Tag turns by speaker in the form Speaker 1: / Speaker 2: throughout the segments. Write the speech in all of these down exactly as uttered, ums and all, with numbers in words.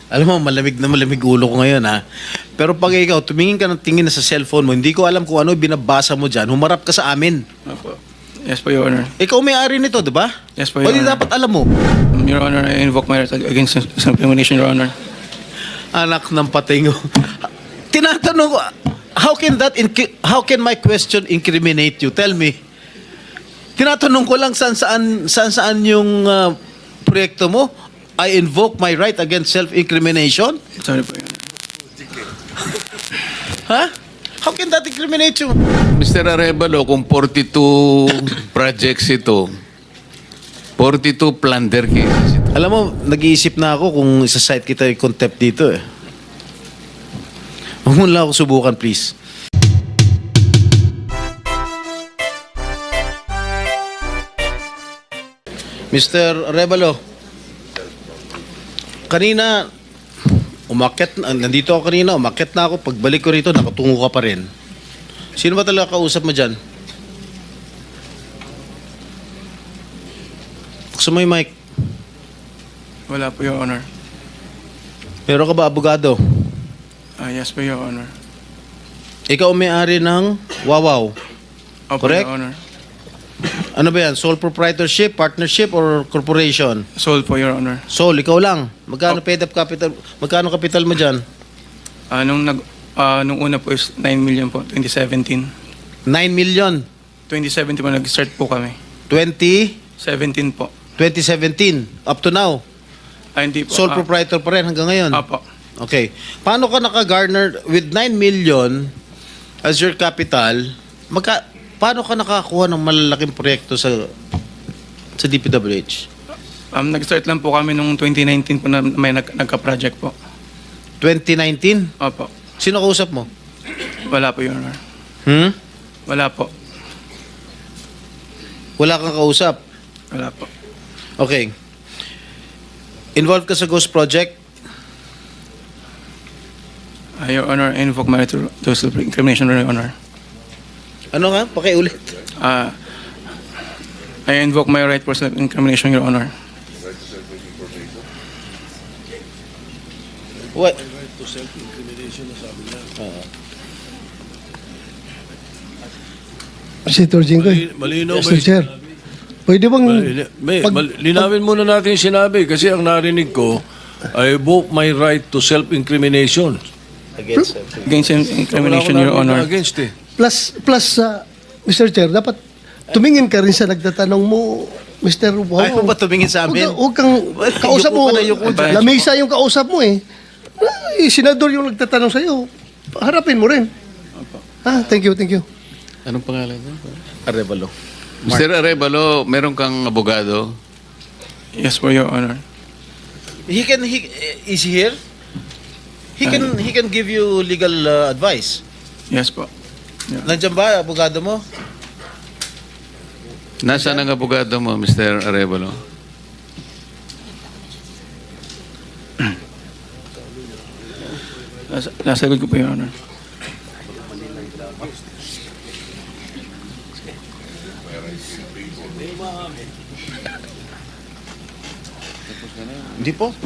Speaker 1: Alam mo, malamig na malamig ulo ko ngayon, ha? Pero pag ikaw, tumingin ka ng tingin na sa cellphone mo, hindi ko alam kung ano binabasa mo dyan, humarap ka sa amin.
Speaker 2: Opo. Yes po, Your Honor.
Speaker 1: Ikaw may-ari nito, di ba?
Speaker 2: Yes po,
Speaker 1: O
Speaker 2: Your
Speaker 1: di
Speaker 2: Honor.
Speaker 1: dapat alam mo.
Speaker 2: Your Honor, I invoke my right against self-incrimination, Your Honor.
Speaker 1: Anak ng patingo. Tinatanong ko, how can that, inc- how can my question incriminate you? Tell me. Tinatanong ko lang saan saan, saan, saan yung uh, proyekto mo. I invoke my right against self-incrimination?
Speaker 2: Sorry po, Your Honor.
Speaker 1: Ha? How can that incriminate you?
Speaker 3: Mister Arevalo, kung forty-two projects ito, forty-two plunder cases ito.
Speaker 1: Alam mo, nag-iisip na ako kung isa-cite kita yung contempt dito eh. Huwag mo lang ako subukan, please. Mister Arevalo, kanina, umakyat, na- nandito ako kanina, umakyat na ako. Pagbalik ko rito, nakatungo ka pa rin. Sino ba talaga kausap mo dyan? Buksan mo yung mic.
Speaker 2: Wala po, Your Honor.
Speaker 1: Meron ka ba abogado?
Speaker 2: Ah, yes po, Your Honor.
Speaker 1: Ikaw ang may-ari ng Wawaw.
Speaker 2: Opo,
Speaker 1: Correct?
Speaker 2: Your Honor.
Speaker 1: Ano ba yan? Sole proprietorship, partnership, or corporation?
Speaker 2: Sold po, Your Honor.
Speaker 1: Sole, ikaw lang. Magkano paid up capital? Magkano capital mo dyan?
Speaker 2: Ah, nung, nag, ah, nung una po is nine million po, twenty seventeen.
Speaker 1: nine million.
Speaker 2: twenty seventeen po, nag-start po kami.
Speaker 1: twenty,
Speaker 2: seventeen po.
Speaker 1: twenty seventeen. Up to now.
Speaker 2: Ah, hindi po.
Speaker 1: Sole
Speaker 2: ah,
Speaker 1: proprietor pa rin hanggang ngayon.
Speaker 2: Apo.
Speaker 1: Okay. Paano ka naka-garner with nine million as your capital? Magka, paano ka nakakuha ng malalaking proyekto sa sa D P W H?
Speaker 2: Um, nag-start lang po kami nung twenty nineteen po na may nag, nagka-project po.
Speaker 1: twenty nineteen?
Speaker 2: Opo.
Speaker 1: Sino kausap mo?
Speaker 2: Wala po, Your Honor.
Speaker 1: Hmm?
Speaker 2: Wala po.
Speaker 1: Wala kang kausap?
Speaker 2: Wala po.
Speaker 1: Okay. Involved ka sa Ghost Project?
Speaker 2: Ah, Your Honor, I invoke my right to, to self-incrimination, Your Honor.
Speaker 1: Ano nga? Pakiulit.
Speaker 2: Ah, I invoke my right for self-incrimination, Your Honor.
Speaker 1: What?
Speaker 4: Senator Jinggoy.
Speaker 5: Malinaw ba
Speaker 4: mister
Speaker 5: yung
Speaker 4: Chair, pwede bang...
Speaker 5: Mali- may,
Speaker 4: pag-
Speaker 5: mal- linawin muna natin yung sinabi kasi ang narinig ko, I invoke my right to self-incrimination.
Speaker 1: Against
Speaker 2: Against incrimination,
Speaker 5: Wala
Speaker 2: Your
Speaker 5: akong narinig
Speaker 2: Honor.
Speaker 5: na against eh.
Speaker 4: Plus, plus uh, mister Chair, dapat tumingin ka rin sa nagtatanong mo, mister Wow.
Speaker 1: Ayaw mo ba tumingin sa amin?
Speaker 4: Huwag ka- huwag kang kausap
Speaker 1: Yuko
Speaker 4: mo.
Speaker 1: ka na, yuko
Speaker 2: dyan.
Speaker 4: Lamesa yung kausap mo eh. Ay, senador yung nagtatanong sa'yo. Harapin mo rin. Ah, thank you, thank you.
Speaker 3: Anong pangalan niya?
Speaker 1: Arevalo.
Speaker 3: Mister Arevalo, meron kang abogado?
Speaker 2: Yes po, Your Honor.
Speaker 1: He can, he, is he here? He can, he can give you legal uh, advice.
Speaker 2: Yes po. Yeah.
Speaker 1: Nandiyan ba, abogado mo?
Speaker 3: Nasaan ang abogado mo, Mister Arevalo?
Speaker 2: Nasa, nasa likod ko po, Your Honor.
Speaker 1: Hindi po.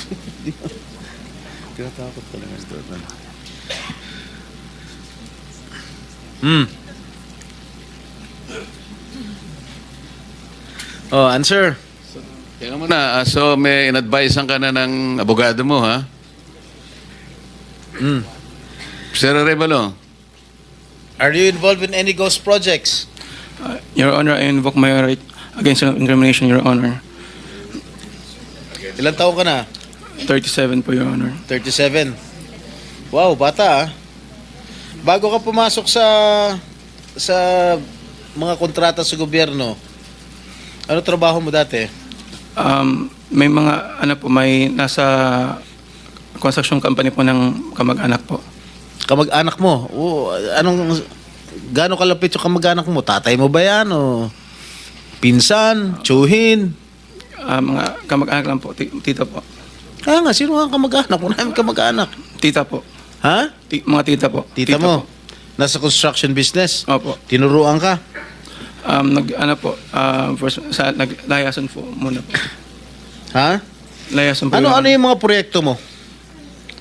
Speaker 3: Tinatakot ka lang, Mister Arevalo.
Speaker 1: Hmm. Oh, answer.
Speaker 3: Tingnan mo na, ah, so may in-advisean ka na ng abogado mo, ha?
Speaker 1: Hmm.
Speaker 3: Mister Arevalo,
Speaker 1: Are you involved in any ghost projects?
Speaker 2: Uh, Your Honor, I invoke my right against self-incrimination, Your Honor.
Speaker 1: Ilang taon ka na?
Speaker 2: thirty-seven po, Your Honor.
Speaker 1: thirty-seven. Wow, bata ah. Bago ka pumasok sa sa mga kontrata sa gobyerno, ano trabaho mo dati?
Speaker 2: Um, may mga, ano po, may nasa construction company po ng kamag-anak po.
Speaker 1: Kamag-anak mo? O, anong, gaano kalapit yung kamag-anak mo? Tatay mo ba yan? O pinsan? Tsuhin?
Speaker 2: Ah, mga kamag-anak lang po, ti- tita po.
Speaker 1: Kaya nga, sino nga ang kamag-anak? Wala namin kamag-anak.
Speaker 2: Tita po.
Speaker 1: Ha?
Speaker 2: Ti- mga tita po.
Speaker 1: Tita, mo?
Speaker 2: po.
Speaker 1: Nasa construction business?
Speaker 2: Opo.
Speaker 1: Tinuruan ka?
Speaker 2: Um, nag, ano po, um, first, sa, naglayasan po muna po.
Speaker 1: Ha?
Speaker 2: Layasan po.
Speaker 1: Ano
Speaker 2: Your
Speaker 1: ano
Speaker 2: Honor.
Speaker 1: yung mga proyekto mo?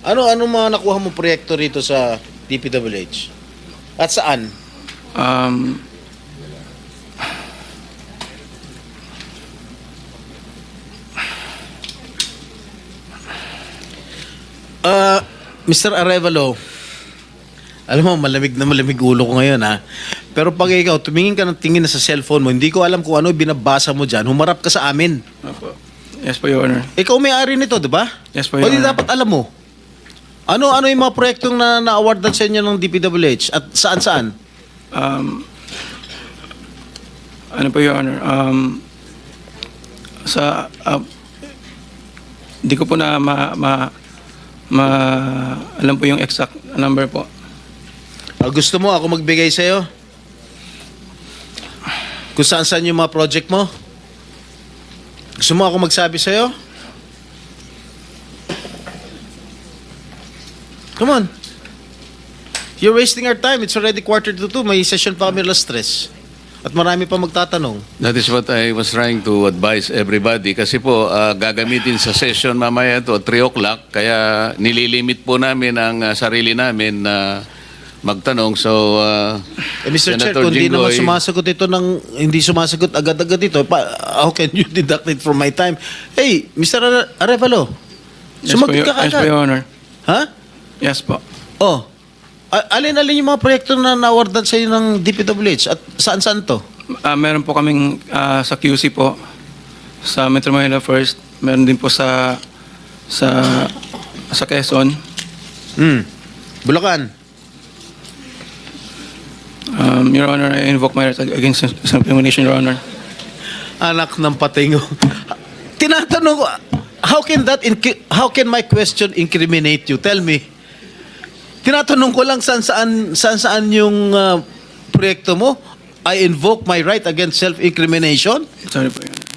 Speaker 1: Ano ano mga nakuha mo proyekto rito sa D P W H? At saan?
Speaker 2: Um,
Speaker 1: Uh, Mister Arevalo, alam mo, malamig na malamig ulo ko ngayon ha. Pero pag ikaw, tumingin ka ng tingin na sa cellphone mo, hindi ko alam kung ano binabasa mo dyan, humarap ka sa amin.
Speaker 2: opo. Yes po, Your Honor.
Speaker 1: Ikaw may-ari nito, di ba?
Speaker 2: Yes po,
Speaker 1: O
Speaker 2: Your
Speaker 1: di
Speaker 2: Honor.
Speaker 1: dapat alam mo. Ano ano yung mga proyektong na na-awardan sa inyo ng D P W H at saan-saan?
Speaker 2: Um, ano po, Your Honor? Um, sa, uh, di ko po na ma, ma, ma, alam po yung exact number po.
Speaker 1: Ah, gusto mo ako magbigay sa'yo? Kung saan-saan yung mga project mo? Gusto mo ako magsabi sa'yo? Come on. You're wasting our time. It's already quarter to two. May session pa kami alas tres. At marami pa magtatanong.
Speaker 3: That is what I was trying to advise everybody. Kasi po, ah, gagamitin sa session mamaya to three o'clock. Kaya nililimit po namin ang ah, sarili namin na magtanong. So, ah,
Speaker 1: Eh, Mister Chair,
Speaker 3: Senator
Speaker 1: kung hindi naman
Speaker 3: Jinggoy-
Speaker 1: sumasagot ito ng, hindi sumasagot agad-agad ito, pa, how can you deduct it from my time? Hey, Mister Are- Arevalo,
Speaker 2: Yes po,
Speaker 1: sumagot
Speaker 2: Your-
Speaker 1: ka
Speaker 2: yes po,
Speaker 1: kagad.
Speaker 2: Your Honor.
Speaker 1: Ha?
Speaker 2: Yes po.
Speaker 1: Oh, a- alin-alin yung mga proyekto na nawardan sa iyo ng D P W H at saan-saan to?
Speaker 2: Ah, meron po kaming ah, sa Q C po, sa Metro Manila First. Meron din po sa sa sa Quezon.
Speaker 1: Hmm. Bulacan.
Speaker 2: Um, Your Honor, I invoke my right against self-incrimination, Your Honor.
Speaker 1: Anak ng patingo. Tinatanong ko, how can that, inc- how can my question incriminate you? Tell me. Tinatanong ko lang saan saan, saan, saan yung ah, proyekto mo? I invoke my right against self-incrimination?
Speaker 2: Sorry po, Your Honor.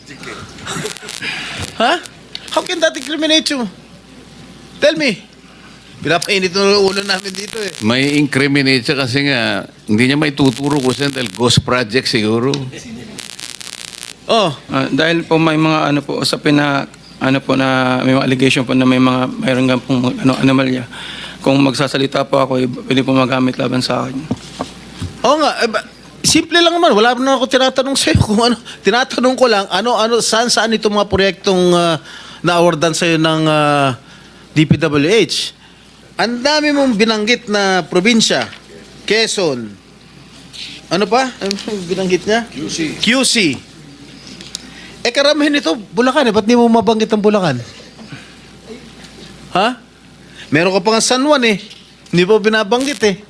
Speaker 1: Ha? How can that incriminate you? Tell me. Pinapainit ng ulo namin dito eh.
Speaker 3: may incriminate siya kasi nga, hindi niya may tuturo ko siya dahil ghost project siguro.
Speaker 1: Oh,
Speaker 2: Ah, dahil po may mga ano po usapin na ano po na may mga allegation po na may mga mayroon nga pong ano anomalya. Kung magsasalita po ako, eh, pwede po magamit laban sa akin.
Speaker 1: oo nga. Eh, ba- simple lang naman. Wala na ako tinatanong sa'yo kung ano. Tinatanong ko lang, ano, ano, saan, saan itong mga proyektong uh, na-awardan sa'yo ng ah, D P W H. Ang dami mong binanggit na probinsya. Quezon. Ano pa? Ano yung binanggit niya? Q C. Q C. Eh, karamihan ito, Bulacan eh. Ba't di mo mabanggit ang Bulacan? Ha? Meron ka pa nga San Juan eh. Hindi pa binabanggit eh.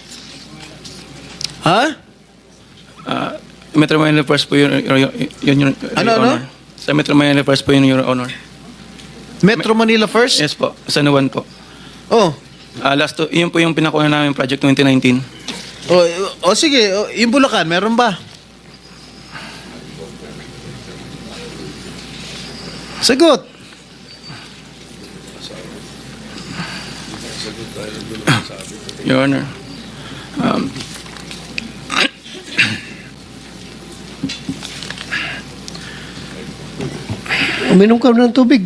Speaker 1: Ha?
Speaker 2: Ah, Metro Manila First po yun, yun, yun, yun, yun,
Speaker 1: Ano,
Speaker 2: Your
Speaker 1: ano?
Speaker 2: Honor. Sa Metro Manila First po yun, Your Honor.
Speaker 1: Metro Manila first?
Speaker 2: Yes po, San Juan po.
Speaker 1: Oh.
Speaker 2: Ah, last to, yun po yung pinakuha namin project twenty nineteen.
Speaker 1: Oh, oh sige, oh, yung Bulacan, meron ba? Sagot.
Speaker 2: Your Honor. Um,
Speaker 4: Uminom ka ng tubig.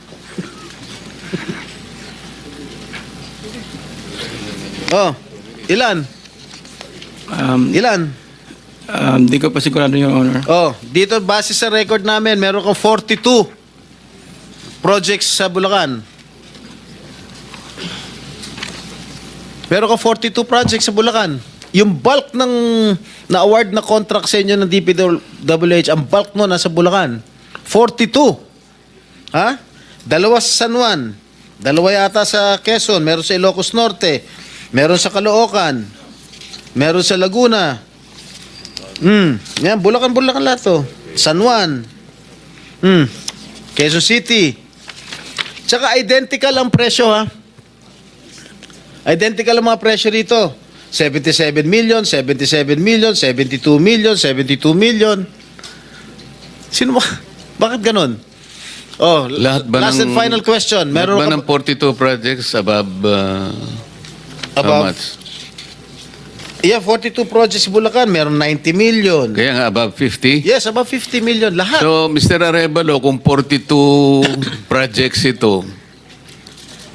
Speaker 1: Oh. Ilan?
Speaker 2: um,
Speaker 1: Ilan?
Speaker 2: um, di ko pa sigurado, Your Honor.
Speaker 1: Oh, dito base sa record namin, meron kang forty-two projects sa Bulacan. Meron kang forty-two projects sa Bulacan. Yung bulk ng na-award na contract sa inyo ng D P W H, ang bulk mo nasa Bulacan. forty-two. Ha? Dalawa sa San Juan. Dalawa yata sa Quezon. Meron sa Ilocos Norte. Meron sa Caloocan. Meron sa Laguna. Hmm. Yan, Bulacan-Bulacan lahat to. San Juan. Hmm. Quezon City. Tsaka identical ang presyo ha. Identical ang mga presyo rito. seventy-seven million, seventy-seven million, seventy-two million, seventy-two million. Sino ba? Bakit ganun? Oh,
Speaker 3: Lahat ba
Speaker 1: last
Speaker 3: ng,
Speaker 1: and final question.
Speaker 3: Lahat
Speaker 1: Meron
Speaker 3: ba
Speaker 1: ka
Speaker 3: ng forty-two projects above, uh, how
Speaker 1: Above?
Speaker 3: much?
Speaker 1: Yeah, forty-two projects sa Bulacan, meron ninety million.
Speaker 3: Kaya nga above fifty?
Speaker 1: Yes, about fifty million lahat.
Speaker 3: So, Mister Arevalo, kung forty-two projects ito,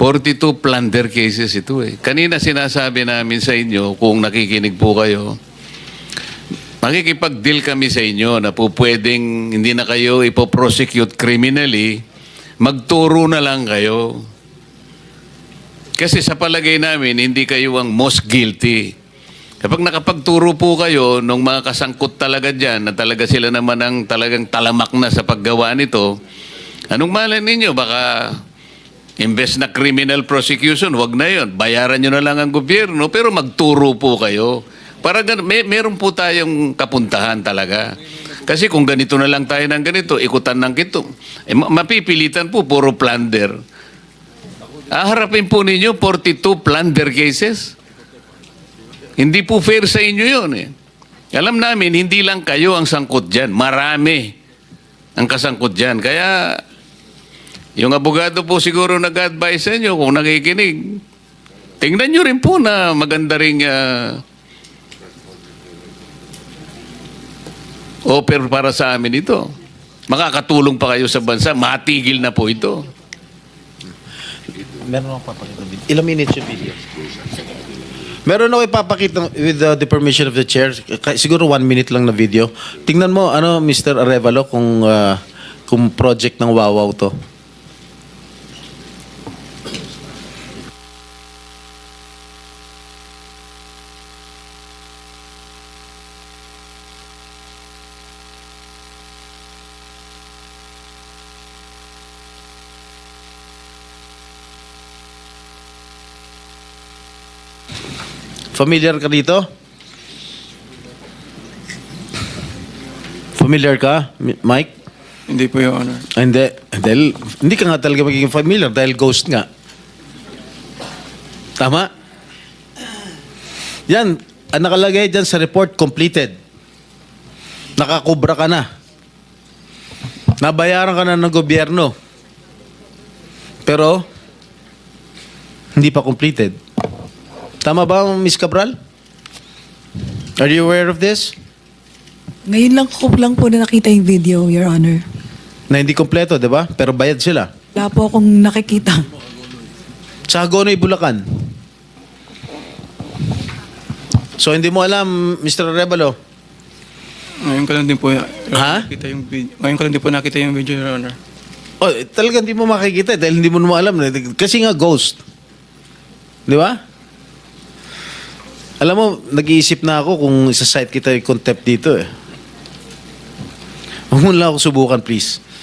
Speaker 3: forty-two plunder cases ito eh. Kanina sinasabi namin sa inyo, kung nakikinig po kayo, makikipag-deal kami sa inyo na po pwedeng hindi na kayo ipoprosecute criminally, magturo na lang kayo. Kasi sa palagay namin, hindi kayo ang most guilty. Kapag nakapagturo po kayo ng mga kasangkot talaga dyan, na talaga sila naman ang talagang talamak na sa paggawa nito, anong malay ninyo? Baka imbes na criminal prosecution, wag na yon. Bayaran nyo na lang ang gobyerno, pero magturo po kayo. Para gan- may, meron po tayong kapuntahan talaga. Kasi kung ganito na lang tayo ng ganito, ikutan ng kito, eh, ma- mapipilitan po, puro plunder. Aharapin po ninyo forty-two plunder cases. Hindi po fair sa inyo yun eh. Alam namin, hindi lang kayo ang sangkot dyan. Marami ang kasangkot dyan. Kaya, yung abogado po siguro nag-advise sa inyo kung nakikinig. Tingnan nyo rin po na maganda ring uh, offer para sa amin ito. Makakatulong pa kayo sa bansa. Matigil na po ito.
Speaker 1: Meron ako papakita video. Ilang minutes yung video? Meron ako ipapakita with uh, the permission of the chair. Ka- Siguro one minute lang na video. Tingnan mo, ano, Mister Arevalo, kung, uh, kung project ng Wawaw to. Familiar ka dito? Familiar ka, Mi- Mike?
Speaker 2: Hindi po, Your Honor.
Speaker 1: Ah, Hindi. Dahil, hindi ka nga talaga magiging familiar dahil ghost nga. Tama? Yan, ang nakalagay dyan sa report, completed. Nakakubra ka na. Nabayaran ka na ng gobyerno. Pero, hindi pa completed. Tama ba, Miss Cabral? Are you aware of this?
Speaker 6: Ngayon lang ko lang po na nakita yung video, Your Honor.
Speaker 1: Na hindi kompleto, di ba? Pero bayad sila.
Speaker 6: Wala po akong nakikita.
Speaker 1: Sa Hagonoy, Bulacan. So, hindi mo alam, Mister Arevalo?
Speaker 2: Ngayon ko lang din po,
Speaker 1: Ha?
Speaker 2: nakita yung video. Ngayon ko lang din po nakita yung video, Your Honor.
Speaker 1: Oh, talagang hindi mo makikita dahil hindi mo naman alam. Kasi nga ghost. Di ba? Alam mo, nag-iisip na ako kung isa-site kita yung contempt dito eh. Huwag mo lang ako subukan, please.